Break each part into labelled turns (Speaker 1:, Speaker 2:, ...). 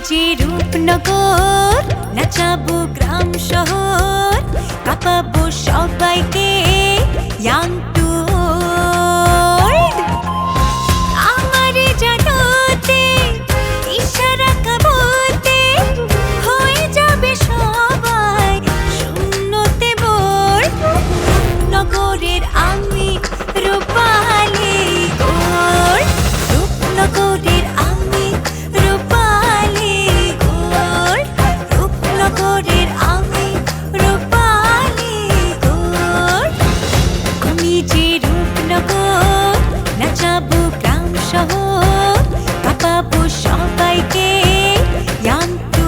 Speaker 1: যে রূপনগর, নাচাবো গ্রাম শহর, কাঁপাবো সবাইকে young to old। আমারে জানাতে ইশারা কাবতে হয়ে যাবে সবাই শূন্যতে বোর। নগরের আমি রূপালী গোর, রূপনগরের আমি রূপালী গোর, রূপনগরের আমি রূপালী গোর। আমি যে রূপনগর, নাচাবো গ্রাম শহর, কাঁপাবো সবাইকে young to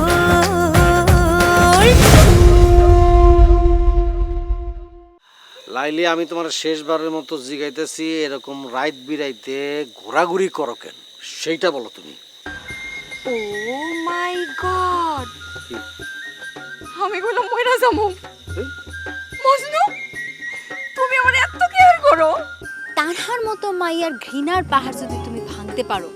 Speaker 1: old।
Speaker 2: লাইলি, আমি তোমার শেষবারের মতো জিগাইতেছি, এরকম রাইত বিরাইতে ঘোরাঘুরি করো কেন সেইটা বলো তুমি।
Speaker 3: ও মাই গড, আমি বললাম মইরা যামু। মজনু, তুমি আমার এত কেয়ার করো।
Speaker 4: তানহার মতো মাইয়ার ঘৃণার পাহাড় যদি তুমি ভাঙতে পারো,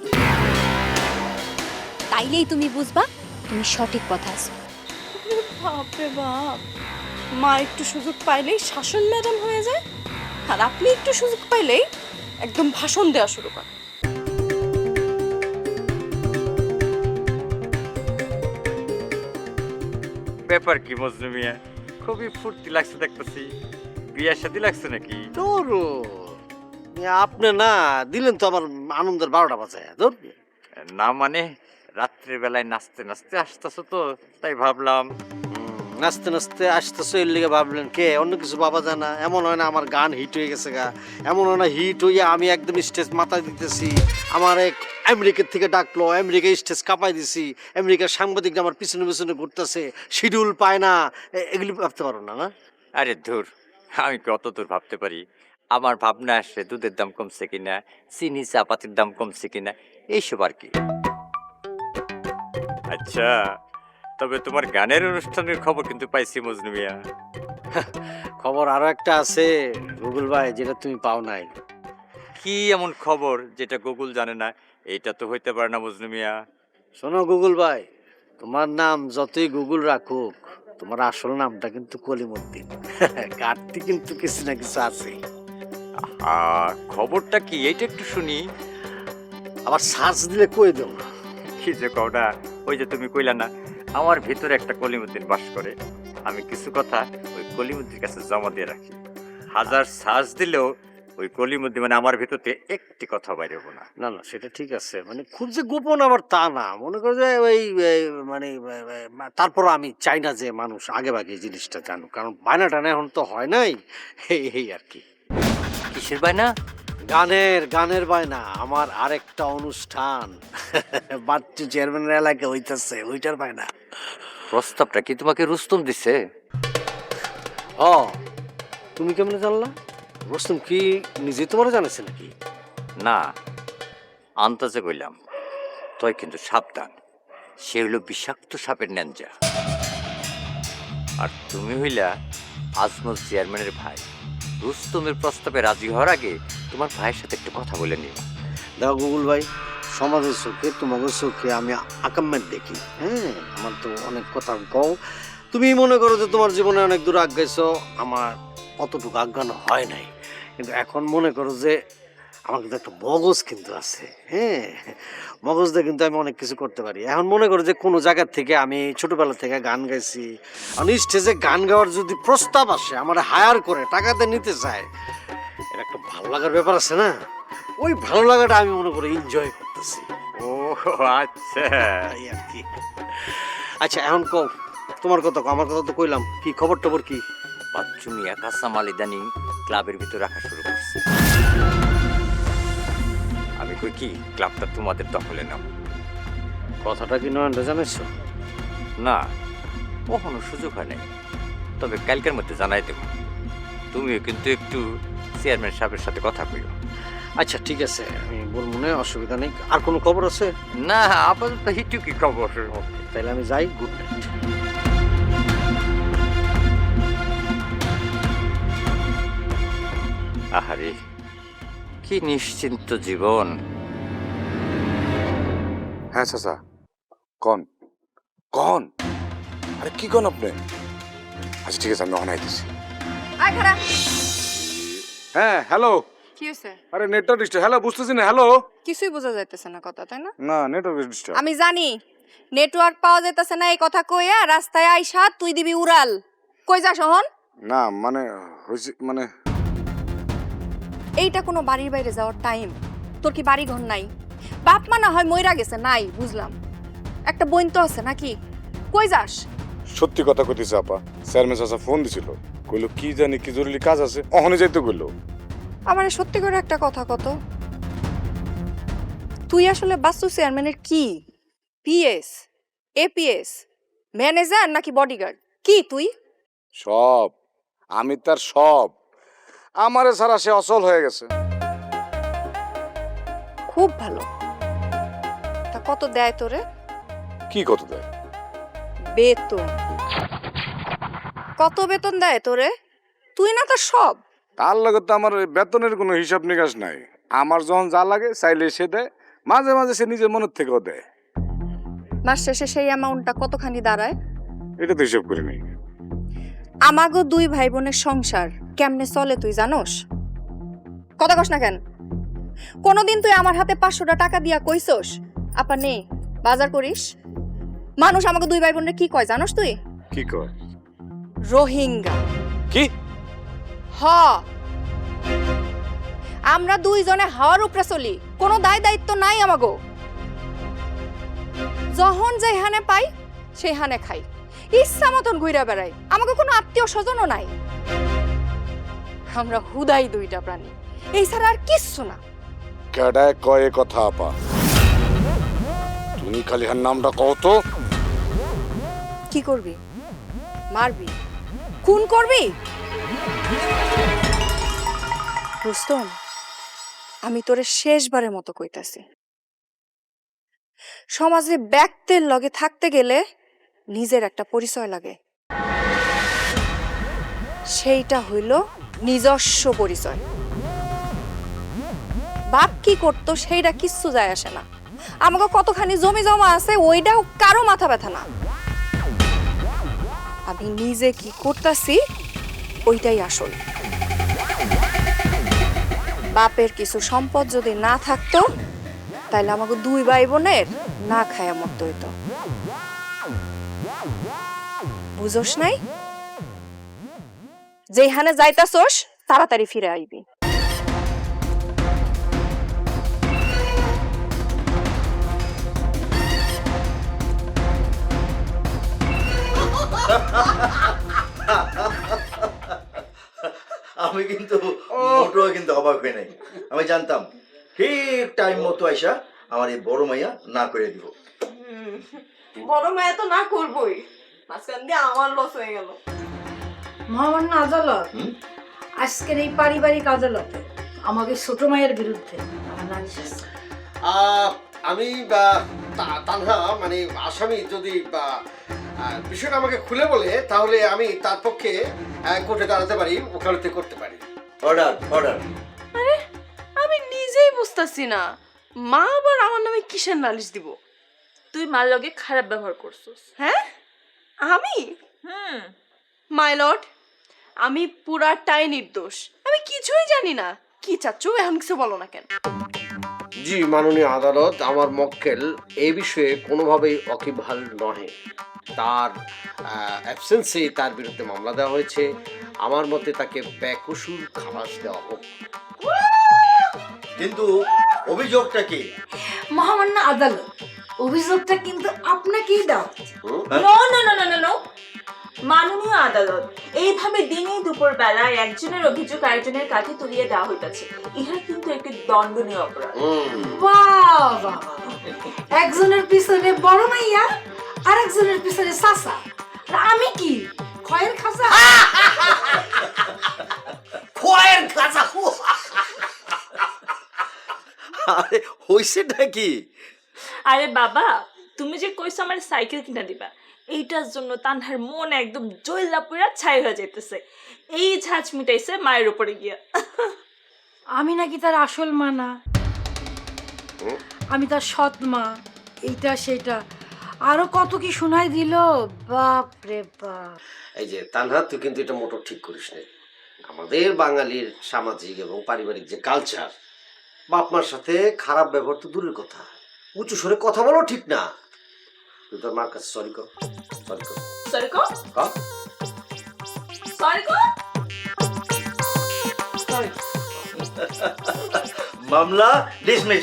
Speaker 4: তাইলেই তুমি বুঝবা তুমি সঠিক পথে আছো।
Speaker 3: বাপরে বাপ, মা একটু সুযোগ পাইলেই শাসন ম্যাডাম হয়ে যায়, আর আপনি একটু সুযোগ পাইলেই একদম ভাষণ দেওয়া শুরু করেন।
Speaker 5: ব্যাপার কি মজনু মিয়া, খুবই ফুর্তি লাগছে দেখতেছি। বিয়ার সাথে লাগছে নাকি?
Speaker 2: তোর আপনি না দিলেন তো আমার আনন্দের 12টা বাজায়। ধর
Speaker 5: না মানে রাত্রের বেলায় নাচতে নাচতে আসতেছো তো, তাই ভাবলাম।
Speaker 2: নাচতে নাচতে আসতেছো এর লিগে ভাবলেন কে? অন্য কিছু ভাবা যায় না? এমন হয় না আমার গান হিট হয়ে গেছে গা? এমন হয় না হিট হইয়া আমি একদম স্টেজ মাথায় দিতেছি, আমার এক আমেরিকার থেকে ডাকলো, আমেরিকা স্টেজ কাঁপাই দিছি, আমেরিকার সাংবাদিকরা আমার পিছনে পিছনে ঘুরতেছে, শিডিউল পায় না, এগুলি ভাবতে পারো না? না
Speaker 5: আরে ধুর, আমি কি অত দূর ভাবতে পারি? আমার ভাবনা আসে দুধের দাম কমছে কিনা, চিনি চাপাতির দাম কমছে কিনা, এইসব আর কি। আচ্ছা, তবে তোমার গানের অনুষ্ঠানের খবর কিন্তু পাইছি মজনু মিয়া।
Speaker 2: খবর আরো একটা আছে গুগল ভাই, যেটা তুমি পাও নাই।
Speaker 5: কি এমন খবর যেটা গুগল জানে না? এইটা তো হইতে পারে না মজনু মিয়া।
Speaker 2: শোনো গুগল ভাই, তোমার নাম যতই গুগল রাখুক, তোমার আসল নামটা কিন্তু কলিমুদ্দিন। কাটতি কিন্তু কিছু না কিছু আছে।
Speaker 5: আর খবরটা কি এইটা একটু শুনি।
Speaker 2: আবার সার্চ দিলে কই দেব।
Speaker 5: কি যে কওটা, ওই যে তুমি কইলা না আমার ভিতরে একটা কলিমুদ্দিন বাস করে, আমি কিছু কথা ওই কলিমুদ্দির কাছে জমা দিয়ে রাখি। হাজার সার্চ দিলেও ওই কলিমুদ্দিন মানে আমার ভিতরে একটি কথা বাইরে হবো না।
Speaker 2: না না, সেটা ঠিক আছে, মানে খুব যে গোপন আবার তা না, মনে করো যে ওই মানে তারপর আমি চাই না যে মানুষ আগে ভাগে এই জিনিসটা জানুক, কারণ বায়না টানা এখন তো হয় নাই, এই আর কি।
Speaker 5: কিসের বায়না?
Speaker 2: গানের বায়না। আমার আরেকটা অনুষ্ঠান বাচ্চু চেয়ারম্যানের এলাকায় হইতেছে, ওইটার বায়না।
Speaker 5: প্রস্তাবটা কি তোমাকে রুস্তম দিছে?
Speaker 2: ও, তুমি কেমনে জানলা? রুস্তম কি নিজে তোমার জানাছে নাকি?
Speaker 5: না, আন্তাজে কইলাম। তুই কিন্তু সাবধান, সে হইল বিষাক্ত সাপের ন্যাঞ্জা। আর তুমি হইলা আজমল চেয়ারম্যানের ভাই। রুস্তমের প্রস্তাবে রাজি হওয়ার আগে তোমার ভাইয়ের সাথে একটু কথা বলে নিও।
Speaker 2: দেখো গুগল ভাই, সমাজের চোখে তোমাদের চোখে আমি আকাম্মের দেখি, হ্যাঁ, আমার তো অনেক কথা কও। তুমি মনে করো যে তোমার জীবনে অনেক দূর আগাইছো, আমার অতটুকু আজ্ঞানো হয় নাই, কিন্তু এখন মনে করো যে আমার কিন্তু একটা মগজ কিন্তু আছে, হ্যাঁ, মগজ দিয়ে কিন্তু আমি অনেক কিছু করতে পারি। এখন মনে করো যে কোনো জায়গা থেকে আমি ছোটবেলা থেকে গান গাইছি, আমি স্টেজে গান গাওয়ার যদি প্রস্তাব আসে, আমার হায়ার করে টাকাতে নিতে চায়, এটা একটা ভালো লাগার ব্যাপার আছে না? ওই ভালো লাগাটা আমি মনে করি এনজয় করতেছি।
Speaker 5: ও আচ্ছা,
Speaker 2: এই আর কি। আচ্ছা এখন কও, তোমার কথা কও, আমার কথা তো কইলাম, কি খবর টবর কি?
Speaker 5: বাচ্চু মিয়া কাঁচামাল ইদানিং ক্লাবের ভিতর রাখা শুরু করছে। আমি কই কি ক্লাবটা তোমাদের দখলে নাও।
Speaker 2: কথাটা কি নয়নটা জানাইছো?
Speaker 5: না, কখনো সুযোগ হয় নাই, তবে কালকের মধ্যে জানাই দেব। তুমিও কিন্তু একটু চেয়ারম্যান সাহেবের সাথে কথা কইও।
Speaker 2: আচ্ছা ঠিক আছে, আমি বলবো না, অসুবিধা নেই। আর কোনো খবর আছে?
Speaker 5: না, আপাতত হিটুকি খবর।
Speaker 2: তাহলে আমি যাই, গুড নাইট।
Speaker 5: আহারে, কি নিশ্চিন্ত জীবন।
Speaker 6: হ্যাঁ চাচা, কন কন আরে কি কন আপনি? আচ্ছা ঠিক আছে, আমি অনাই দিছি।
Speaker 3: আয় খারা
Speaker 6: হ্যাঁ হ্যালো।
Speaker 3: কি হয়েছে?
Speaker 6: আরে নেটওয়ার্ক ডিস্টার্ব। হ্যালো, বুঝতেছি না। হ্যালো।
Speaker 3: কিছুই বোঝা যাইতেছে না কথা, তাই না?
Speaker 6: না, নেটওয়ার্ক ডিস্টার্ব।
Speaker 3: আমি জানি নেটওয়ার্ক পাওয়া যাইতেছে না, এই কথা কইয়া রাস্তায় আইসা তুই দিবি উড়াল। কই যা শহন?
Speaker 6: না মানে হইছে মানে
Speaker 3: এইটা কোনো বাড়ির বাইরে যাওয়ার টাইম? তোর কি বাড়ি ঘর নাই? বাপ মা না হয় মইরা গেছে, নাই বুঝলাম, একটা বোন তো আছে নাকি? কই যাস?
Speaker 6: সত্যি কথা কইতেছে আপা। চেয়ারম্যান চাচা ফোন দিছিল, কইলো কি জানি কি জরুরি কাজ আছে, অহনে যাইতে কইলো।
Speaker 3: আমারে সত্যি করে একটা কথা কত, তুই আসলে বাস্তু চেয়ারম্যানের কি? পিএস, এপিএস, ম্যানেজার নাকি বডিগার্ড? কি তুই?
Speaker 6: সব, আমি তার সব। আমারে ছাড়া সে অচল হয়ে গেছে।
Speaker 3: খুব ভালো। তা কত দেয় তোরে?
Speaker 6: কি কত দেয়?
Speaker 3: বেতন। কত বেতন দেয় তোরে? তুই না তার সব।
Speaker 6: তার লগে তো আমার বেতনের কোনো হিসাব নিকাশ নাই। আমার যখন যা লাগে চাইলে সে দেয়, মাঝে মাঝে সে নিজের মনের থেকেও দেয়।
Speaker 3: মাস শেষে সেই অ্যামাউন্টটা কতখানি দাঁড়ায়?
Speaker 6: এটা তো হিসাব করি নাই।
Speaker 3: আমাগো দুই ভাই বোনের সংসার কেমনে চলে তুই জানোস? কথা কস না কেন? কোনদিন তুই আমার হাতে 500টা টাকা দিয়া কইছস আপা নে বাজার করিস? মানুষ আমাকে দুই ভাই বোনের কি কয় জানোস তুই?
Speaker 6: কি কয়?
Speaker 3: রোহিঙ্গা।
Speaker 6: কি?
Speaker 3: হ, আমরা দুইজনে হাওয়ার উপরে চলি, কোনো দায় দায়িত্ব নাই আমাগো। যখন যেখানে পাই সেখানে খাই, ইচ্ছা মতন ঘুরে বেড়াই, আমাকে কোনো আত্মীয় স্বজনও নাই। আমরা হুদাই দুইটা প্রাণী, এই ছাড়া আর কিচ্ছু না।
Speaker 6: কেডায় কয় এ কথা আপা? তুমি খালি হার নামটা কও তো।
Speaker 3: কি করবি? মারবি? খুন করবি? রুস্তম, আমি তোরে শেষবারের মতো কইতাছি, সমাজে ব্যক্তির লগে থাকতে গেলে নিজের একটা পরিচয় লাগে, সেইটা হইল নিজস্ব পরিচয়। বাপ কি করতো সেইটা কিচ্ছু যায় আসে না, আমাকে কতখানি জমি জমা আছে ওইটাও কারো মাথা ব্যথা না। আমি নিজে কি করতেছি ওইটাই আসল। বাপের কিছু সম্পদ যদি না থাকতো তাহলে আমাকে দুই ভাই বোনের না খায়া মরতে হইতো। বুঝোস নাই? যেখানে যাইতাছোস তাড়াতাড়ি ফিরে আইবি।
Speaker 7: আমি কিন্তু মোটেও কিন্তু অবাক হই নাই। আমি জানতাম ঠিক টাইম মতো আইসা আমার এই বড় মাইয়া না করে দিব।
Speaker 3: বড় মায়া তো না করবই, মাঝখান দিয়ে আমার লস হয়ে গেল।
Speaker 8: মহামান্য আদালত আজকের এই পারিবারিক আদালতে আমাকে ছোট মায়ের বিরুদ্ধে আমার নালিশ আছে।
Speaker 2: আমি তানহা মানে আসামি যদি বিষয়টা আমাকে খুলে বলে তাহলে আমি তার পক্ষে কোর্টে দাঁড়াতে পারি, ওকালতি করতে পারি।
Speaker 7: Order order.
Speaker 3: আরে আমি নিজেই বুঝতাছি না মা আবার আমার নামে কিসের নালিশ দিব?
Speaker 9: তুই মার লগে খারাপ ব্যবহার করছিস।
Speaker 3: হ্যাঁ আমি? মাই লর্ড, আমি পুরাটাই নির্দোষ, আমি কিছুই জানি না। কি চাচ্ছ এখন কিছু বলো না কেন?
Speaker 2: জি মাননীয় আদালত, আমার মক্কেল এই বিষয়ে কোনোভাবেই ওয়াকিবহাল নহে। তার অ্যাবসেন্সে তার বিরুদ্ধে মামলা দেওয়া হয়েছে। আমার মতে তাকে বেকসুর খালাস দেওয়া হোক।
Speaker 7: কিন্তু অভিযোগটা কি?
Speaker 8: মহামান্য আদালত, অভিযোগটা কিন্তু আপনাকেই দাও।
Speaker 9: No no no no no no, মাননীয় আদালত, এইভাবে দিনে দুপুর বেলায় একজনের অভিযোগ আরেকজনের কাছে তুলিয়ে দেওয়া হইতাছে, ইহা কিন্তু একটি দণ্ডনীয় অপরাধ।
Speaker 8: বাবা, একজনের পিছনে বড় মাইয়া আর একজনের পিছনে চাচা, আর আমি কি খয়ের খাসা?
Speaker 7: খয়ের খাঁচা। আরে হইছেটা কি?
Speaker 9: আরে বাবা, তুমি যে কইছো আমার সাইকেল কিনা দিবা, এইটার জন্য তানহার মন একদম জয়লা পুরা ছাই হয়ে যাইতেছে। এই ঝাঁজ মিটাইছে মায়ের উপরে গিয়া।
Speaker 8: আমি নাকি তার আসল মা না, আমি তার সৎ মা, এইটা সেটা। আরো কত কি শোনাই দিল, বাপ রে বাপ।
Speaker 2: এই যে তানহা, তুই কিন্তু এটা মোটর ঠিক করিস না। আমাদের বাঙালির সামাজিক এবং পারিবারিক যে কালচার, বাপ মার সাথে খারাপ ব্যবহার তো দূরের কথা, উঁচু স্বরে কথা বলো ঠিক না। তুই তোর মার কাছে সরি কর, সরি কর।
Speaker 9: সরি কর,
Speaker 2: কর।
Speaker 9: সরি কর।
Speaker 7: মামলা ডিসমিস।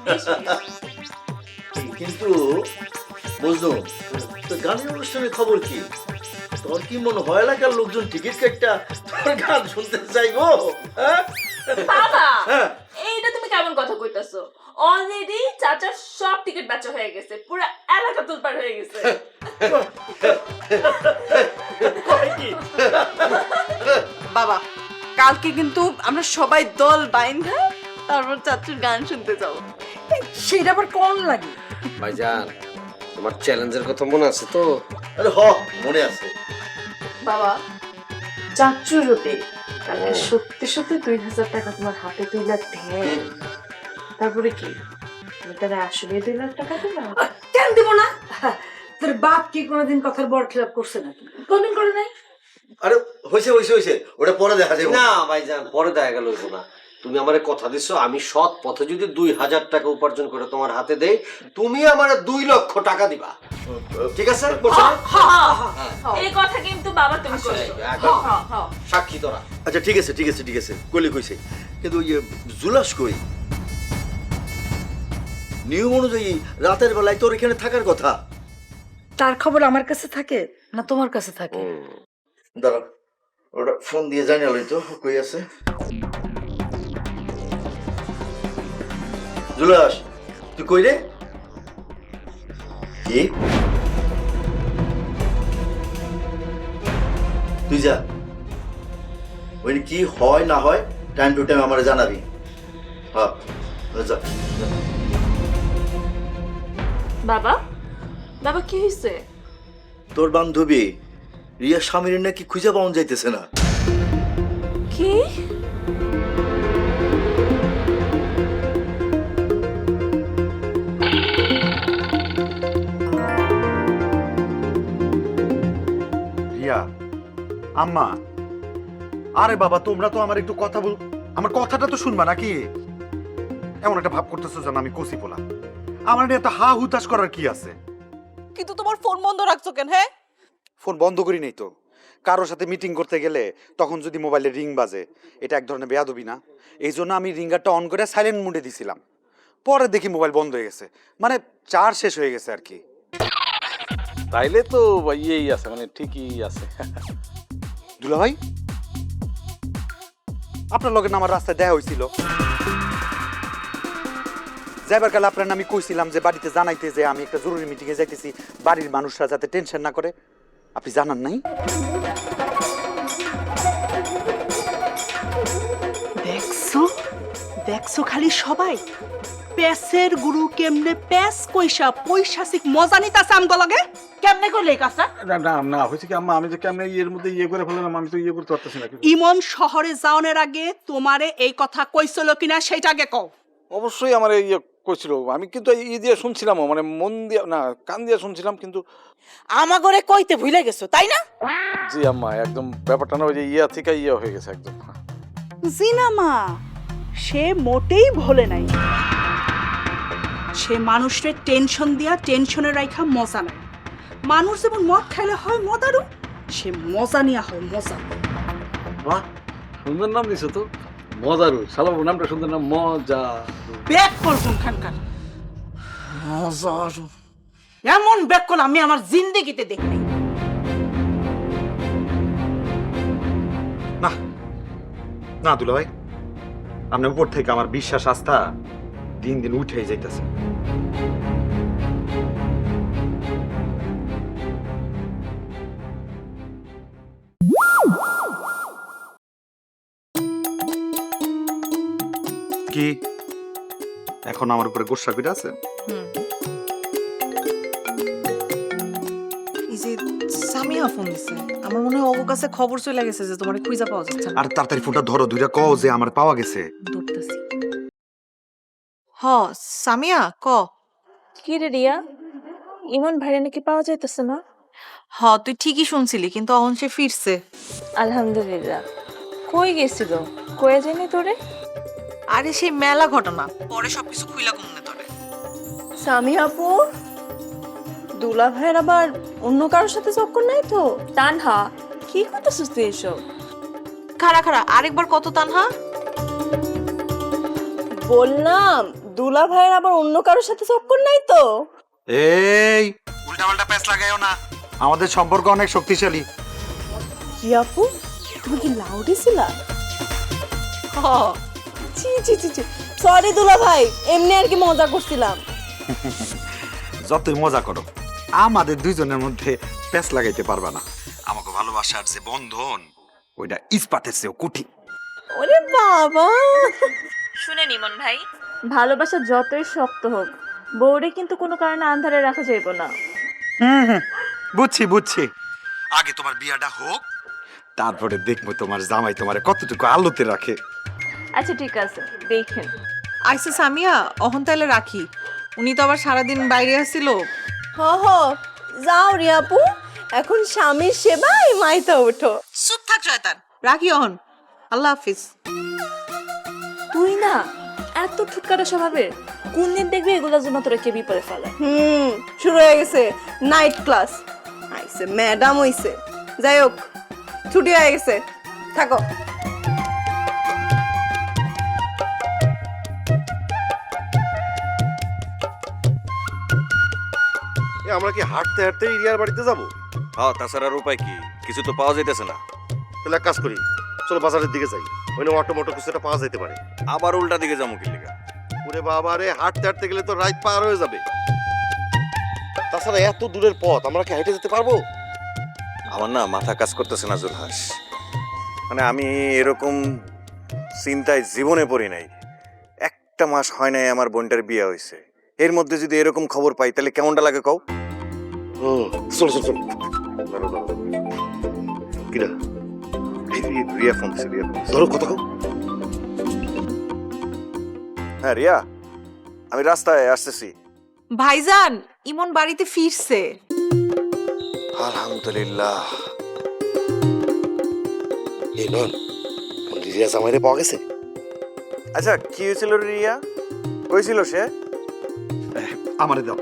Speaker 7: কিন্তু বুঝলাম, তো গানের অনুষ্ঠানের খবর কি? তোর কি মনে হয় এলাকার লোকজন টিকিট কেটটা তোর গান শুনতে চাইবো? হ্যাঁ?
Speaker 9: বাবা,
Speaker 7: হ্যাঁ।
Speaker 9: এইটা তুমি কেমন কথা কইতাছো? অলরেডি চাচার সব টিকিট বেচা হয়ে গেছে, পুরো এলাকা তুলপার হয়ে গেছে।
Speaker 7: কয় কি?
Speaker 3: বাবা, কালকে কিন্তু আমরা সবাই দল বাইন্ধা তারপর চাচুর গান শুনতে যাবো।
Speaker 8: সেটা আবার কোন লাগে?
Speaker 2: ভাইজান, তোমার চ্যালেঞ্জের কথা মনে আছে তো?
Speaker 7: আরে মনে আছে।
Speaker 9: বাবা, চাচুর রূপে কালকে সত্যি সত্যি 2000 টাকা তোমার হাতে তুলে দেন, তারপরে কি তুমি তারা আসলে 2 লাখ টাকা দিবা?
Speaker 8: কেন দিব না? তোর বাপ কি কোনোদিন কথার বড় খেলাপ করছে নাকি? কোনদিন করে নাই।
Speaker 7: আরে হয়েছে হয়েছে হয়েছে, ওটা পরে দেখা যাবে।
Speaker 2: না ভাইজান, পরে দেখা গেল না। তুমি আমারে কথা দিছো, আমি সৎ পথে যদি 2000 টাকা উপার্জন করে তোমার হাতে দেই, তুমি আমারে 2 লক্ষ টাকা দিবা। ঠিক আছে? বলছো না?
Speaker 9: এই কথা কিন্তু বাবা তুমি কইছো।
Speaker 2: একদম।
Speaker 9: হ্যাঁ হ্যাঁ।
Speaker 2: সাক্ষী তোরা।
Speaker 7: আচ্ছা ঠিক আছে ঠিক আছে ঠিক আছে, কইলে কইছে। কিন্তু ওই জুলাস কই? নিয়ম অনুযায়ী রাতের বেলায় তোর এখানে থাকার কথা।
Speaker 8: তার খবর আমার কাছে থাকে না তোমার কাছে থাকে?
Speaker 7: দাঁড়া, ওটা ফোন দিয়ে জানালই তো কই আছে। জুলাস, তুই কই রে? কি? তুই যা, ওই কি হয় না হয় টাইম টু টাইম আমার জানাবি। হ্যাঁ যা।
Speaker 9: বাবা, বাবা কি হইছে?
Speaker 7: তোর বান্ধবী রিয়া স্বামীর নাকি খুঁজে পাওয়া যাইতেছে না।
Speaker 9: কি?
Speaker 10: রিয়া, আম্মা, আরে বাবা, তোমরা তো আমার একটু কথা বল, আমার কথাটা তো শুনবা নাকি? এমন একটা ভাব করতেছো যেন আমি কচি পোলা। আমার নিয়ে এত হা হুতাশ করার কি আছে?
Speaker 3: কিন্তু তোমার ফোন বন্ধ রাখছো কেন? হ্যাঁ,
Speaker 10: ফোন বন্ধ করি নাই তো। কারোর সাথে মিটিং করতে গেলে তখন যদি মোবাইলে রিং বাজে, এটা এক ধরনের বেয়াদবি না? এই জন্য আমি রিঙ্গারটা অন করে সাইলেন্ট মোডে দিছিলাম। পরে দেখি মোবাইল বন্ধ হয়ে গেছে, মানে চার্জ শেষ হয়ে গেছে আর কি।
Speaker 6: তাইলে তো ইয়েই আছে, মানে ঠিকই আছে।
Speaker 10: দুলা ভাই, আপনার লগে না আমার রাস্তায় দেখা হয়েছিল। যাইবার কালে আপনার আমি কইছিলাম যে বাড়িতে জানাইতে যে আমি একটা জরুরি মিটিং এ যাইতেছি, বাড়ির মানুষরা যাতে টেনশন না করে। আপনি জানান নাই?
Speaker 11: দেখছো দেখছো খালি সবাই প্যাসের গুরু কেমনে প্যাস কইসা পৈশাচিক মজা নিতাছে আমগো লগে। কেমনে কইলে এই কাজটা?
Speaker 6: না না না, হয়েছে কি আম্মা, আমি যে কেমনে এর মধ্যে ইয়ে করে ফেললাম, আমি তো ইয়ে করতে পারতেছি না।
Speaker 11: ইমন শহরে যাওয়ার আগে তোমারে এই কথা কইছিল কিনা সেটা আগে কও।
Speaker 6: অবশ্যই আমার ইয়ে কইছিল, আমি কিন্তু ই দিয়ে শুনছিলাম, মানে মন দিয়ে না, কান দিয়ে শুনছিলাম, কিন্তু
Speaker 11: আমাগরে কইতে ভুলে গেছো তাই না?
Speaker 6: জি আম্মা, একদম ব্যাপারটা না ওই যে ইয়া থেকে ইয়ে হয়ে গেছে একদম।
Speaker 11: জিনা মা, সে মোটেই ভোলে নাই। সে মানুষরে টেনশন দিয়া টেনশনে রাখা মজা নাই। মানুষ যেমন মদ খাইলে হয় মদারু, সে মজা নিয়া হয় মজা।
Speaker 6: বাহ, সুন্দর নাম দিছো তো, মজারু। শালাবু নামটা সুন্দর নাম, মজা।
Speaker 11: ব্যাক কল কোনখানকার মজারু, এমন ব্যাক কল আমি আমার জিন্দেগিতে দেখি নাই।
Speaker 10: না না দুলা ভাই, আপনার উপর থেকে আমার বিশ্বাস আস্থা দিন দিন উঠেই যাইতেছে। কি এখন আমার উপরে গোসা করে আছে?
Speaker 12: এই যে সামিয়া ফোন দিছে, আমার মনে হয় ওর কাছে খবর চলে গেছে যে তোমার খুঁজে পাওয়া যাচ্ছে না।
Speaker 10: আর তাড়াতাড়ি ফোনটা ধরো, দুইটা কও যে আমার পাওয়া গেছে।
Speaker 12: ধরতেছি। হ সামিয়া, ক।
Speaker 9: কি রে রিয়া, ইমন ভাইয়া নাকি পাওয়া যাইতেছে না?
Speaker 12: হ তুই ঠিকই শুনছিলি, কিন্তু অহন সে ফিরছে।
Speaker 9: আলহামদুলিল্লাহ। কই গেছিল? কয়ে যায়নি তোরে?
Speaker 12: আরে সেই মেলা ঘটনা, পরে সবকিছু খুইলা কমনে তোরে।
Speaker 3: সামি আপু, দুলা ভাইয়ের আবার অন্য কারোর সাথে চক্কর নাই তো?
Speaker 9: তানহা, কি করতেছিস তুই এসব?
Speaker 12: খাড়া খাড়া, আরেকবার কত তানহা?
Speaker 3: বললাম দুলা ভাইয়ের আবার অন্য কারোর সাথে চক্কর নাই তো?
Speaker 10: এই উল্টাপাল্টা প্যাচ লাগাইও না, আমাদের সম্পর্ক অনেক শক্তিশালী।
Speaker 3: কি আপু, তুমি কি লাউডে ছিলা?
Speaker 12: হ
Speaker 3: ছি ছি ছি ছি, সরি দুলা ভাই, এমনি আর কি মজা করছিলাম।
Speaker 10: যতই মজা করো, আমাদের দুইজনের মধ্যে প্যাচ লাগাইতে পারবা না। আমাকে ভালোবাসার যে বন্ধন, ওইটা ইস্পাতের চেয়েও কঠিন।
Speaker 3: ওরে বাবা,
Speaker 9: শুনে নিমন ভাই, ভালোবাসা যতই শক্ত হোক, বউরে কিন্তু কোনো কারণে আন্ধারে রাখা যাইব না।
Speaker 10: বুঝছি বুঝছি, আগে তোমার বিয়াটা হোক, তারপরে দেখবো তোমার জামাই তোমারে কতটুকু আলোতে রাখে।
Speaker 9: আচ্ছা ঠিক আছে, দেখেন।
Speaker 12: আইসে সামিয়া, অহন তাইলে রাখি। উনি তো আবার সারাদিন বাইরে আসছিল।
Speaker 3: হ হ, যাও রে আপু, এখন স্বামীর সেবায় মাইতা ওঠো।
Speaker 12: চুপ থাক শয়তান, রাখি অহন। আল্লাহ হাফিজ।
Speaker 9: তুই না এত ঠুটকাটা স্বভাবের, কোন দিন দেখবি এগুলোর জন্য তোরা কে বিপদে ফেলে।
Speaker 3: শুরু হয়ে গেছে নাইট ক্লাস। আইছে ম্যাডাম হইছে। যাই হোক, ছুটি হয়ে গেছে, থাকো।
Speaker 13: আমরা কি হাঁটতে হাঁটতে রিয়ার বাড়িতে যাবো?
Speaker 7: হ্যাঁ, তাছাড়া আর উপায় কি? কিছু তো পাওয়া যাইতেছে না।
Speaker 13: তাহলে এক কাজ করি, চলো বাজারের দিকে যাই, ওই অটো মোটো কিছু একটা পাওয়া যেতে পারে।
Speaker 7: আবার উল্টা দিকে যাবো কি লিগা?
Speaker 13: ওরে বাবা রে, হাঁটতে হাঁটতে গেলে তো রাত পার হয়ে যাবে। তাছাড়া এত দূরের পথ আমরা কি হেঁটে যেতে পারবো?
Speaker 7: আমার না মাথা কাজ করতেছে না জুলহাস। মানে আমি এরকম চিন্তায় জীবনে পড়ি নাই। একটা মাস হয় নাই আমার বোনটার বিয়ে হয়েছে, এর মধ্যে যদি এরকম খবর পাই তাহলে কেমনটা লাগে কও?
Speaker 13: চলো চলো চলো, দাঁড়ো দাঁড়ো, কিরা
Speaker 7: রিয়া ফোন দিছে, রিয়া ফোন দিছে।
Speaker 13: ধরো কথা কও।
Speaker 7: হ্যাঁ রিয়া, আমি রাস্তায় আসতেছি।
Speaker 12: ভাইজান, ইমন বাড়িতে ফিরছে।
Speaker 7: আলহামদুলিল্লাহ।
Speaker 13: এই নন, রিয়া জামাইরে পাওয়া গেছে?
Speaker 7: আচ্ছা কি হয়েছিল রিয়া? কইছিল সে?
Speaker 10: আমারে দাও।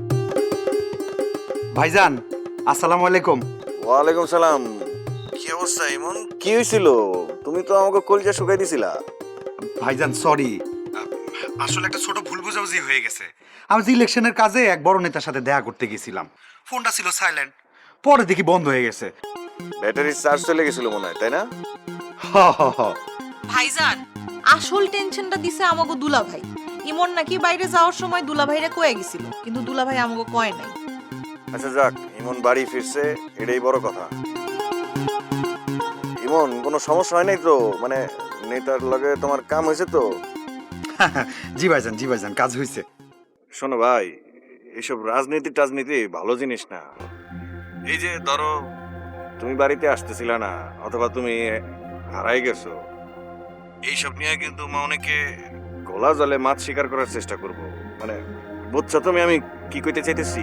Speaker 10: ভাইজান, আসসালামু আলাইকুম।
Speaker 7: ওয়ালাইকুম সালাম। কি অবস্থা ইমন? কি হয়েছিল? তুমি তো আমাকে কলজা শুকাই দিছিলা।
Speaker 10: ভাইজান সরি, আসলে একটা ছোট ভুল বোঝাবুঝি হয়ে গেছে। আমি যে ইলেকশনের কাজে এক বড় নেতার সাথে দেখা করতে গেছিলাম, ফোনটা ছিল সাইলেন্ট, পরে দেখি বন্ধ হয়ে গেছে।
Speaker 7: ব্যাটারি চার্জ চলে গেছিল মনে হয়, তাই না?
Speaker 12: ভাইজান, আসল টেনশনটা দিছে আমাগো দুলা ভাই। ইমন নাকি বাইরে যাওয়ার সময় দুলা ভাইরে কয়ে গেছিল, কিন্তু দুলা ভাই আমাগো কয় নাই।
Speaker 7: আচ্ছা যাক, ইমন বাড়ি ফিরছে, এটাই বড় কথা। ইমন কোনো সমস্যা হয় নাই তো? মানে নেতার লগে তোমার কাম হয়েছে তো?
Speaker 10: জি ভাইজান, জি ভাইজান, কাজ হয়েছে।
Speaker 7: শোনো ভাই, এইসব রাজনীতি টাজনীতি ভালো জিনিস না। এই যে ধরো তুমি বাড়িতে আসতেছিল না, অথবা তুমি হারাই গেছো, এইসব নিয়ে কিন্তু অনেকে গোলা জলে মাছ শিকার করার চেষ্টা করব। মানে বুঝছো তুমি আমি কি কইতে চাইতেছি?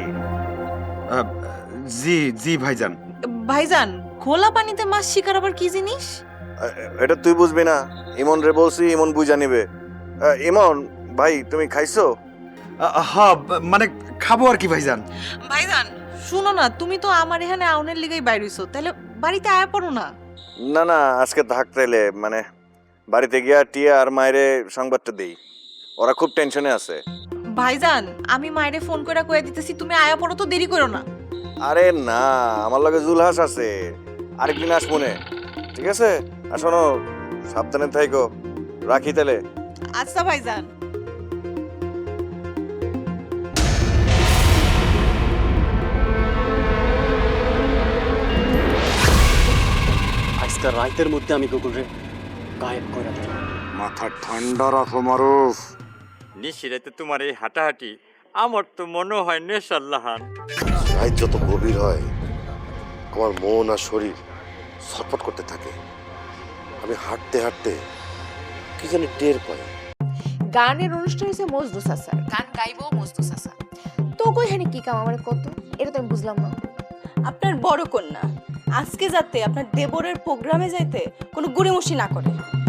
Speaker 10: জি জি ভাইজান।
Speaker 12: ভাইজান, খোলা পানিতে মাছ শিকার আবার কি জিনিস?
Speaker 7: এটা তুই বুঝবি না? ইমন রে বলছি, ইমন বুঝা নিবে। ইমন ভাই, তুমি খাইছো?
Speaker 10: হ্যাঁ, মানে খাবো আর কি ভাইজান।
Speaker 12: ভাইজান শুনো না, তুমি তো আমার এখানে আউনের লিগাই বাইর হইছো, তাহলে বাড়িতে আয়া পড়ো না।
Speaker 7: না না, আজকে থাক তাইলে। মানে বাড়িতে গিয়া টিয়া আর মায়েরে সংবাদটা দেই, ওরা খুব টেনশনে আছে।
Speaker 12: ভাইজান, আমি মায়েরে ফোন করে কয়ে দিতেছি, তুমি আয়া পড়ো তো, দেরি করো না।
Speaker 7: আরে না, আমার লগে জুলহাস আছে, আরেকদিন আসমনে, ঠিক আছে? আর শোনো, সাবধানে থাইকো, রাখি তাহলে।
Speaker 12: আচ্ছা ভাইজান।
Speaker 2: আজকাল রাতের মধ্যে আমি কুকুরে গায়েব করে দিই।
Speaker 10: মাথা ঠান্ডা রাখো মারুফ।
Speaker 5: নিশিরাতে তোমার এই হাঁটাহাঁটি আমার তো মনে হয় নেশাল্লাহান।
Speaker 13: রাত যত গভীর হয় আমার মন আর শরীর ছটফট করতে থাকে। আমি হাঁটতে হাঁটতে কি জানি টের পাই।
Speaker 14: গানের অনুষ্ঠান হয়েছে মজনু চাচার, গান গাইবো মজনু চাচা। তো
Speaker 3: কইখানে কি কাম আমার কত, এটা তো আমি বুঝলাম না।
Speaker 11: আপনার বড় কন্যা আজকে যাতে আপনার দেবরের প্রোগ্রামে যাইতে কোনো গুড়িমুষি না করে,